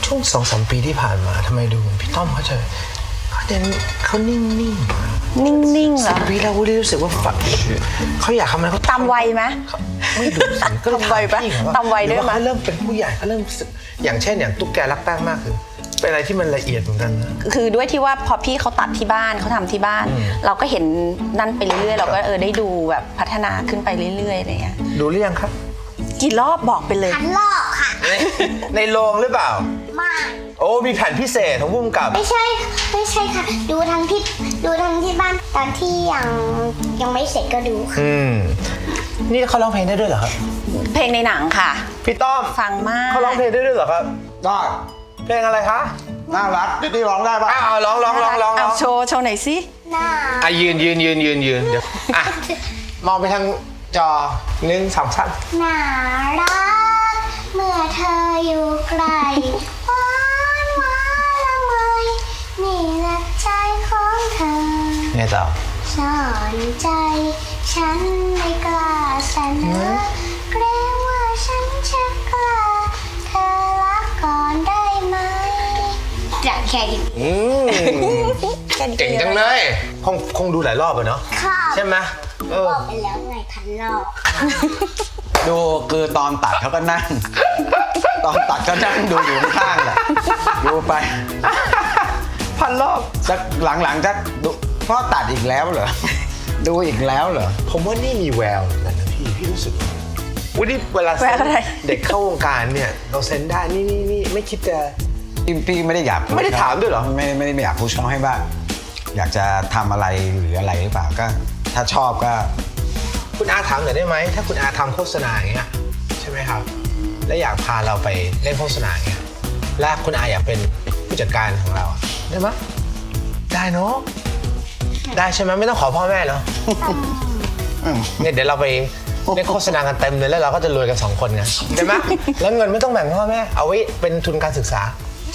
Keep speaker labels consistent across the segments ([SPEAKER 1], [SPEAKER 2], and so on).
[SPEAKER 1] ช่วง2-3 ปีที่ผ่านมาทำไมดูพี่ต้อมเขาเขานิ่งๆ
[SPEAKER 2] นิ่งๆเหรอ
[SPEAKER 1] 10 ปีแล้ววูดดี้รู้สึกว่าฝันเขาอยากทำอะไรเขา
[SPEAKER 2] ตามวัยไหม
[SPEAKER 1] ไม่ดูสิก็เลย
[SPEAKER 2] ตามวัยปะ
[SPEAKER 1] พี่เขา
[SPEAKER 2] ตามวัยด้วยมั้ย
[SPEAKER 1] เขาเริ่มเป็นผู้ใหญ่เขาเริ่มรู้สึกอย่างเช่นอย่างตุ๊กแกรักแป้งมากคือเป็นอะไรที่มันละเอียดเหมือนกันนะ
[SPEAKER 2] คือด้วยที่ว่าพอพี่เขาตัดที่บ้านเขาทำที่บ้าน เราก็เห็นนั่นไปเรื่อยๆเราก็ได้ดูแบบพัฒนาขึ้นไปเรื่อยๆอะไรเงี้ย
[SPEAKER 1] ดูหรือยังครับ
[SPEAKER 2] กี่รอบบอกไปเลย
[SPEAKER 3] พันรอบค่ะ
[SPEAKER 1] ในโรงหรือเปล่า
[SPEAKER 3] ไม่
[SPEAKER 1] โอ้มีแผ่นพิเศษของผู้กำกับ
[SPEAKER 3] ไม่ใช่ค่ะ ดูทั้งที่บ้านตอนที่ยังไม่เสร็จก็ดูค่ะ
[SPEAKER 1] นี่เขาร้องเพลงได้ด้วยเหรอครับ
[SPEAKER 2] เพลงในหนังค่ะ
[SPEAKER 1] พี่ต้อม
[SPEAKER 2] ฟังมาก
[SPEAKER 1] เขาร้องเพลงได้ด้วยเหรอครับ
[SPEAKER 4] ได้
[SPEAKER 1] เพลงอะไรคะ
[SPEAKER 4] น่ารักนี่ร้องได้ปะ
[SPEAKER 1] อ้าวร้อง
[SPEAKER 2] เอาโชว์หน่อยสิ
[SPEAKER 3] น่า
[SPEAKER 1] อ่ะยืนเดี๋ยวอ่ะมองไปทางจอ1 2 3
[SPEAKER 3] น่ารักเมื่อเธออยู่ไกลหวานละเมยนี่แหละใจของเธอ
[SPEAKER 1] ไงต่อ
[SPEAKER 3] ซ่อนใจฉันไม่กล้าเสนอเกรงว่าฉันจะกล้าเธอรักก่อนได้ไหมจะแค่นี้
[SPEAKER 1] เก่งจังเลยคงดูหลายรอบอะเนาะ
[SPEAKER 3] ค่ะ
[SPEAKER 1] ใช่ไหม
[SPEAKER 3] บอกไปแล้วไงพันรอบ
[SPEAKER 4] ดูคือตอนตัดเขาก็นั่ง ตอนตัดก็นั่งดูอยู่ข้างๆแหละดูไป
[SPEAKER 1] พันรอบ
[SPEAKER 4] จะหลังๆจะดูพ่อตัดอีกแล้วเหรอ ดูอีกแล้วเหรอ
[SPEAKER 1] ผมว่านี่มีแววเหมือนกันนะพี่รู้สึกวันนี้เวลา
[SPEAKER 2] แววอะไร
[SPEAKER 1] เด็กเข้าวงการเนี่ยเราเซ็นได้นี่ไม่คิดจะ
[SPEAKER 4] พี่ไม่ได้อยาก
[SPEAKER 1] ไม่ได้ถามด้วยเหรอ
[SPEAKER 4] ไม่ได้อยากพูดเขาให้ว่า อยากจะทำอะไรหรืออะไรหรือเปล่าก็ ถ้าชอบก็
[SPEAKER 1] คุณอาถามหน่อยได้ไหมถ้าคุณอาทำโฆษณาอย่างเงี้ยใช่ไหมครับและอยากพาเราไปเล่นโฆษณาอย่างเงี้ยและคุณอาอยากเป็นผู้จัดการของเราอะได้ไหมได้เนาะได้ใช่ไหมไม่ต้องขอพ่อแม่เนาะเนี่ยเดี๋ยวเราไปเล่นโฆษณากันเต็มเลยแล้วเราก็จะรวยกัน2 คนไงใช่ไหมแล้วเงินไม่ต้องแบ่งพ่อแม่เอาไว้เป็นทุนการศึกษา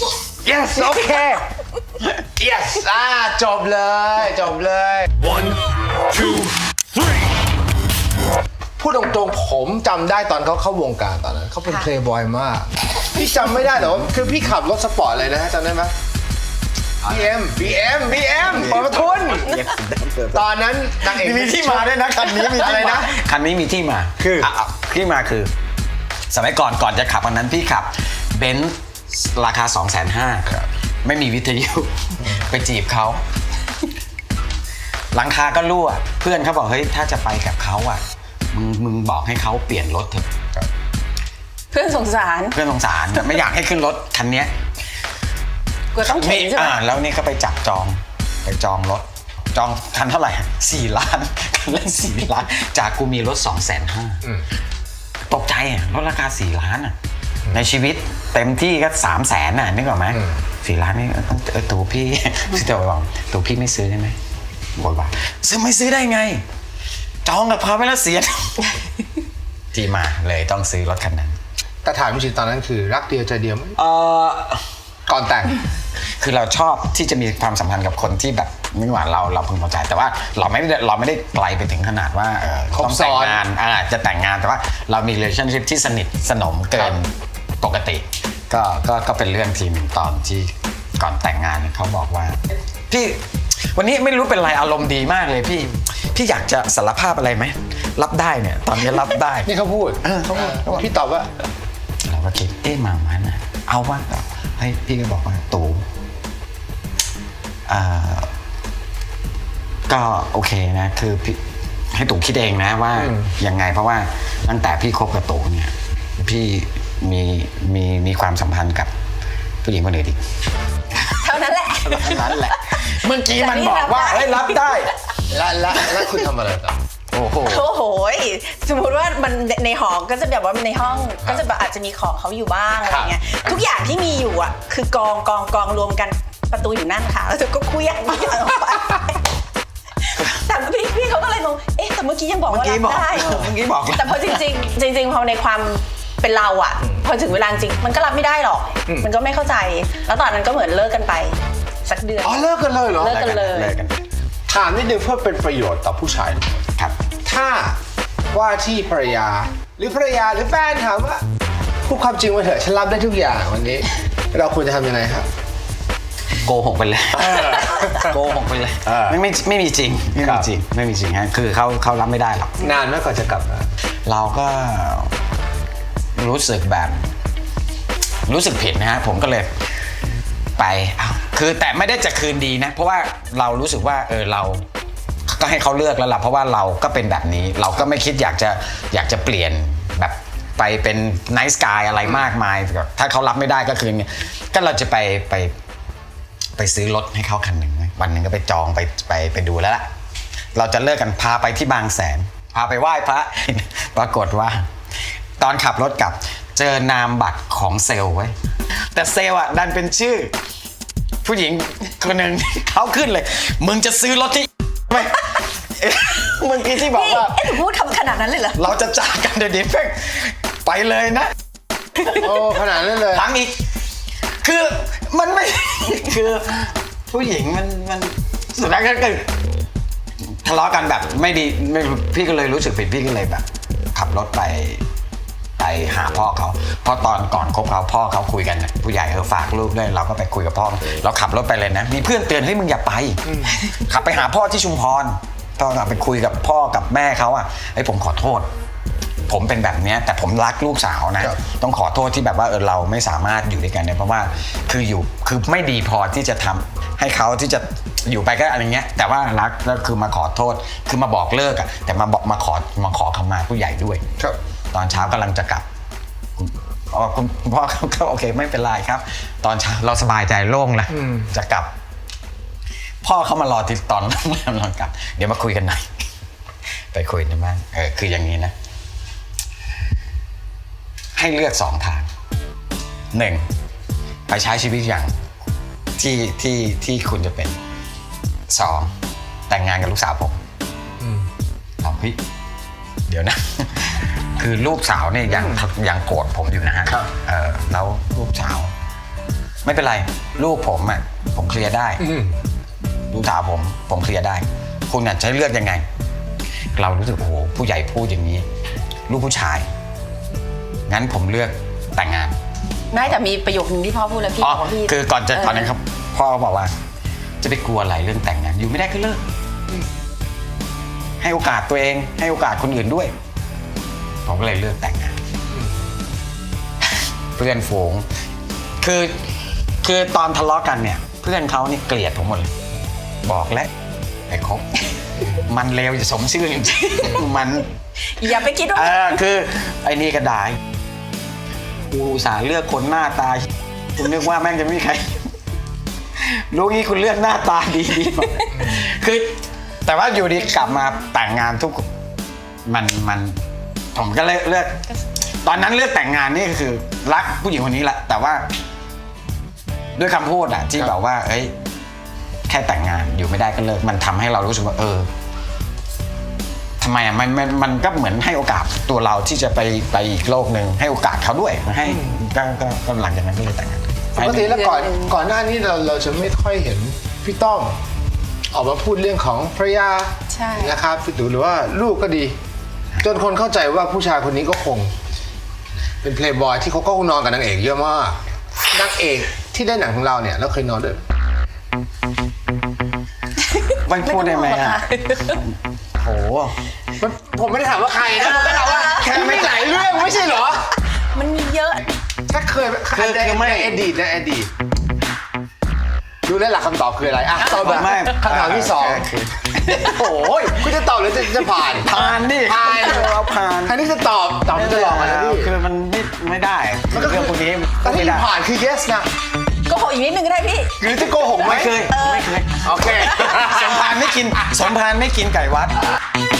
[SPEAKER 1] yes โอเค yes จบเลย
[SPEAKER 5] One, two, three.
[SPEAKER 1] พูดตรงๆผมจำได้ตอนเขาเข้าวงการตอนนั้นเขาเป็นเพลย์บอยมากพี่จำไม่ได้หรอคือพี่ขับรถสปอร์ตเลยนะจำได้ไหม BM เปิดประทุนตอนนั้นนางเอก
[SPEAKER 4] มีที่มาด้วยนะคันนี้มี
[SPEAKER 1] อะไรนะ
[SPEAKER 4] คันนี้มีที่มา
[SPEAKER 1] คือ
[SPEAKER 4] ที่มาคือ สมัยก่อนจะขับอันนั้นพี่ขับเบนซ์ราคา 250,000ไม่มีวิทยุไปจีบเขาหลังคาก็รั่วเพื่อนเขาบอกเฮ้ยถ้าจะไปกับเขาอ่ะมึงบอกให้เขาเปลี่ยนรถเถอะ
[SPEAKER 2] เพื่อนสงสาร
[SPEAKER 4] เพื่อนสงสารไม่อยากให้ขึ้นรถคันเนี้ย
[SPEAKER 2] ก็ต้องเข็นใช่ไหม
[SPEAKER 4] แล้วนี่ก็ไปจับจองรถจองคันเท่าไหร่4 ล้านคันละ4 ล้านจากกูมีรถ250,000ตกใจอ่ะรถราคา4 ล้านอ่ะในชีวิตเต็มที่ก็300,000น่ะนึกออกไหม4 ล้านนี่ตัวพี่พี่จะบอกตัวพี่ไม่ซื้อได้ไหมบอกว่าไม่ซื้อได้ไงจองกับเขาไปแล้วเสีย ที่มาเลยต้องซื้อรถคันนั้น
[SPEAKER 1] แต่ถามจริงๆตอนนั้นคือรักเดียวใจเดียวไหมก่อนแต่ง
[SPEAKER 4] คือเราชอบที่จะมีความสัมพันธ์กับคนที่แบบไม่ว่าเราพึงพอใจแต่ว่าเราไม่ได้ไกลไปถึงขนาดว่าต้องแต่งงานจะแต่งงานแต่ว่าเรามี relationship ที่สนิทสนมเกินปกติก็เป็นเรื่องทีหนึ่งตอนที่ก่อนแต่งงานเขาบอกว่าพี่วันนี้ไม่รู้เป็นไรอารมณ์ดีมากเลยพี่อยากจะสารภาพอะไรไหมรับได้เนี่ยตอนนี้รับได้
[SPEAKER 1] นี่เขาพูด
[SPEAKER 4] เขาพูด
[SPEAKER 1] พี่ตอบว่า
[SPEAKER 4] เราก็คิดมานะเอาว่าให้พี่ก็บอกว่าตู่ก็โอเคนะคือพี่ให้ตู่คิดเองนะว่ายังไงเพราะว่าตั้งแต่พี่คบกับตู่เนี่ยพี่มีความสัมพันธ์กับผู้หญิงคนอื่นอีก
[SPEAKER 2] เท่านั้นแหละ
[SPEAKER 4] นั้นแหละเมื่อกี้มันบอกว่าเฮ้ยรับได้
[SPEAKER 1] แล้วคุณทำอะไรต่อ
[SPEAKER 4] โอ้โห
[SPEAKER 2] โอ้โหสมมติว่ามันในหอก็จะแบบว่าในห้องก็จะแบบอาจจะมีของเขาอยู่บ้างอะไรเงี้ยทุกอย่างที่มีอยู่อ่ะคือกองรวมกันประตูอยู่นั่นค่ะแล้วเธอก็เคลื่อนทุกอย่างออกไปแต่พี่เขาก็เลยงงแต่เมื่อกี้ยังบอกว่ารับได้
[SPEAKER 4] เมื่อกี้บอก
[SPEAKER 2] แต่พอจริงพอในความเป็นเราอ่ะพอถึงเวลาจริงมันก็รับไม่ได้หรอกมันก็ไม่เข้าใจแล้วตอนนั้นก็เหมือนเลิกกันไปสักเดือน
[SPEAKER 1] อ๋อเลิกกันเลยเหรอ
[SPEAKER 2] เลิกกันเลย
[SPEAKER 1] ถามนิดนึงเพื่อเป็นประโยชน์ต่อผู้ชาย
[SPEAKER 4] ครับ
[SPEAKER 1] ถ้าว่าที่ภรรยาหรือแฟนถามว่าพูดความจริงมาเถอะฉันรับได้ทุกอย่างวันนี้เราควรจะทำยังไงครับ
[SPEAKER 4] โกหกไปเลยโกหกไปเลย
[SPEAKER 1] เออ
[SPEAKER 4] ไม่มีจริงไม่
[SPEAKER 1] ครั
[SPEAKER 4] มี
[SPEAKER 1] บ
[SPEAKER 4] จริงไม่มีจริงฮะคือเขารับไม่ได้หรอก
[SPEAKER 1] นานไหมก่อนจะกลับมา
[SPEAKER 4] เราก็รู้สึกแบบรู้สึกผิดนะฮะผมก็เลยไปคือแต่ไม่ได้จะคืนดีนะเพราะว่าเรารู้สึกว่าเราก็ให้เขาเลือกแล้วล่ะเพราะว่าเราก็เป็นแบบนี้เราก็ไม่คิดอยากจะเปลี่ยนแบบไปเป็นไนท์สกายอะไรมากมายถ้าเขารับไม่ได้ก็คือก็เราจะไปซื้อรถให้เขาคันหนึ่งวันหนึ่งก็ไปจองไปดูแล้วล่ะเราจะเลิกกันพาไปที่บางแสนพาไปไหว้พระ ปรากฏว่า ตอนขับรถกลับเจอนามบัตรของเซลล์ไว้แต่เซลล์อ่ะดันเป็นชื่อ ผู้หญิงคนหนึ่ง เขาขึ้นเลย มึงจะซื้อรถที่ไหม เมื่อกี้ที่บอก
[SPEAKER 2] พี่
[SPEAKER 4] ว่า
[SPEAKER 2] หนูพูดคำขนาดนั้นเลยเหรอ
[SPEAKER 4] เราจะจากกันเดี๋ยวนี้เพ่งไปเลยนะ
[SPEAKER 1] โอ้ขนาดนั้นเลย
[SPEAKER 4] ทั้งอีก คือมันไม่ คือผู้หญิงมันสุดท้ายก็คือทะเลาะกันแบบไม่ดีไม่พี่ก็เลยรู้สึกผิดพี่ก็เลยแบบ ขับรถไปหาพ่อเขาเพราะตอนก่อนคบเขาพ่อเขาคุยกันนะผู้ใหญ่ฝากลูกด้วยเราก็ไปคุยกับพ่อเราขับรถไปเลยนะมีเพื่อนเตือนให้มึงอย่าไปขับไปหาพ่อที่ชุมพรตอนไปคุยกับพ่อกับแม่เขาอ่ะไอ้ผมขอโทษ ผมเป็นแบบเนี้ยแต่ผมรักลูกสาวนะต้องขอโทษที่แบบว่าเราไม่สามารถอยู่ด้วยกันเนี่ยเพราะว่าคือไม่ดีพอที่จะทำให้เขาที่จะอยู่ไปก็อะไรเงี้ยแต่ว่ารักแล้วคือมาขอโทษคือมาบอกเลิกอะแต่มาขอขมาผู้ใหญ่ด้วย
[SPEAKER 1] ครับ
[SPEAKER 4] ตอนเช้ากำลังจะกลับคุณพ่อก็โอเคไม่เป็นไรครับ ตอนเช้าเราสบายใจโล่งแล้วจะกลับ พ่อเขามารอที่ตอนโรงแรมเรากลับ เดี๋ยวมาคุยกันหน่อยไปคุยกันบ้างคืออย่างนี้นะ ให้เลือก2 ทาง 1. ไปใช้ชีวิตอย่างที่คุณจะเป็น 2. แต่งงานกับลูกสาวผมเอาเฮ้ยเดี๋ยวนะ คือลูกสาวเนี่ยยังโกรธผมอยู่นะฮะแล้วลูกสาว ไม่เป็นไร ลูกผมอ่ะผมเคลียร์ได้ลูกสาวผมเคลียร์ได้ คุณจะเลือกยังไง เรารู้สึกโอ้โหผู้ใหญ่พูดอย่างนี้ ลูกผู้ชายงั้นผมเลือกแต่งงาน
[SPEAKER 2] ไม่แต่มีประโยคนึงที่พ่อพูดแล้วพี่บอกว่าพี่
[SPEAKER 4] คือก่อนนั้นครับพ่อบอกว่าจะไปกลัวอะไรเรื่องแต่งงานอยู่ไม่ได้ก็เลิกให้โอกาสตัวเองให้โอกาสคนอื่นด้วยผมก็เลยเลือกแต่งงานเพื่อนฝูงคือตอนทะเลาะกันเนี่ยเพื่อนเขานี่เกลียดผมหมดเลยบอกแล้วไอ้คบมันเลวจะสมชื่อจริงๆมัน
[SPEAKER 2] อย่าไปคิดว่า
[SPEAKER 4] คือไอ้นี่ก็ได้กูอุตส่าห์เลือกคนหน้าตาคุณนึกว่าแม่งจะไม่มีใครรู้งี้คุณเลือกหน้าตาดีคือแต่ว่าอยู่ดีกลับมาแต่งงานทุกมันผมก็เลยเลือกตอนนั้นเลือกแต่งงานนี่ก็คือรักผู้หญิงคนนี้แหละแต่ว่าด้วยคำพูดอะที่แบบว่าเอ้ยแค่แต่งงานอยู่ไม่ได้ก็เลิกมันทำให้เรารู้สึกว่าทำไมอ่ะมันก็เหมือนให้โอกาสตัวเราที่จะไปอีกโลกหนึ่งให้โอกาสเขาด้วยให้ก็หลังจากนั้นก็เลยแต่งงาน
[SPEAKER 1] ปกติแล้วก่อนหน้านี้เราจะไม่ค่อยเห็นพี่ต้อมออกมาพูดเรื่องของภรรยา
[SPEAKER 2] ใช่
[SPEAKER 1] นะครับหรือว่าลูกก็ดี จนคนเข้าใจว่าผู้ชายคนนี้ก็คง เป็นเพลย์บอยที่เขาก็นอนกับนางเอกเยอะมากนางเอกที่ได้หนังของเราเนี่ยเราเคยนอนด้วย
[SPEAKER 4] มันพูดได้ไหมอ่ะโห
[SPEAKER 1] ผมไม่ได้ถามว่าใครนะผมก็ถามว่าแค่ไม่หลายเรื่องไม่ใช่เหรอ
[SPEAKER 2] มันมีเยอะ
[SPEAKER 1] ถ้าเคยในอดีตดูแล้วหลักคำตอบคืออะไรอ่ะตอบแบบ
[SPEAKER 4] ไม่
[SPEAKER 1] คำถามที่สองโอ้ยคุณจะตอบหรือจะผ่าน
[SPEAKER 4] ผ่านดิ
[SPEAKER 1] ผ่าน
[SPEAKER 4] เราผ่าน
[SPEAKER 1] อันนี้จะตอบจะหลอกอะไรพี่
[SPEAKER 4] คือมันไม่ได้เรื่องพวกนี้
[SPEAKER 1] แต่ที่
[SPEAKER 4] ไม่ได้
[SPEAKER 1] ผ่านคือ yes นะ
[SPEAKER 2] ก็ขออีกนิดนึงก็ได้พี่
[SPEAKER 1] หรือจะโกหกไหม
[SPEAKER 4] ไม่เคย
[SPEAKER 1] โอเค
[SPEAKER 4] สมพานไม่กินไก่วัด